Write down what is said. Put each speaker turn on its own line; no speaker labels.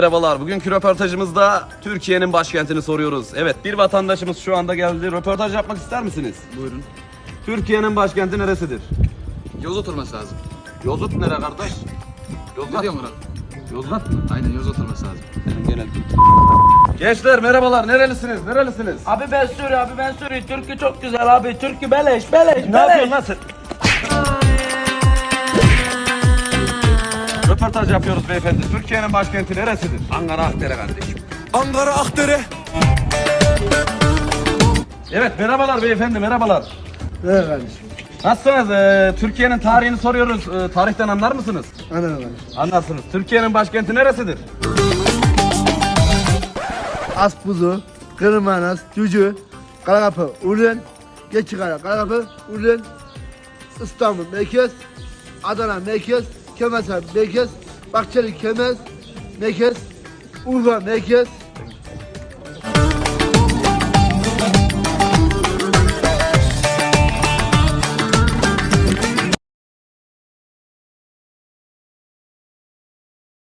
Merhabalar. Bugünkü röportajımızda Türkiye'nin başkentini soruyoruz. Evet, bir vatandaşımız şu anda geldi. Röportaj yapmak ister misiniz?
Buyurun.
Türkiye'nin başkenti neresidir?
Yozgat olması lazım.
Yozgat nere kardeş?
Ne
Yozgat
diyor
mı?
Murat?
Yozgat mı?
Aynen Yozgat olması lazım.
Senin genel. Gençler merhabalar. Nerelisiniz? Nerelisiniz?
Abi ben Suri. Türkü çok güzel abi. Türkü beleş.
Ne yapıyorsun lan sen? Röportaj yapıyoruz beyefendi. Türkiye'nin başkenti neresidir?
Ankara Akdere kardeşim.
Ankara Akdere.
Evet, merhabalar beyefendi, merhabalar.
Evet kardeşim.
Nasılsınız? Türkiye'nin tarihini soruyoruz. Tarihten anlar mısınız?
Anladım kardeşim.
Anlarsınız. Türkiye'nin başkenti neresidir?
Aspuzu, Kırmanas, Cücü, Karakapı, Urlen, Geçikara, Karakapı, Urlen, İstanbul, Merkez, Adana, Merkez, Kemersa, Merkez, Bahçeli, Kemez, Merkez, Urfa, Merkez,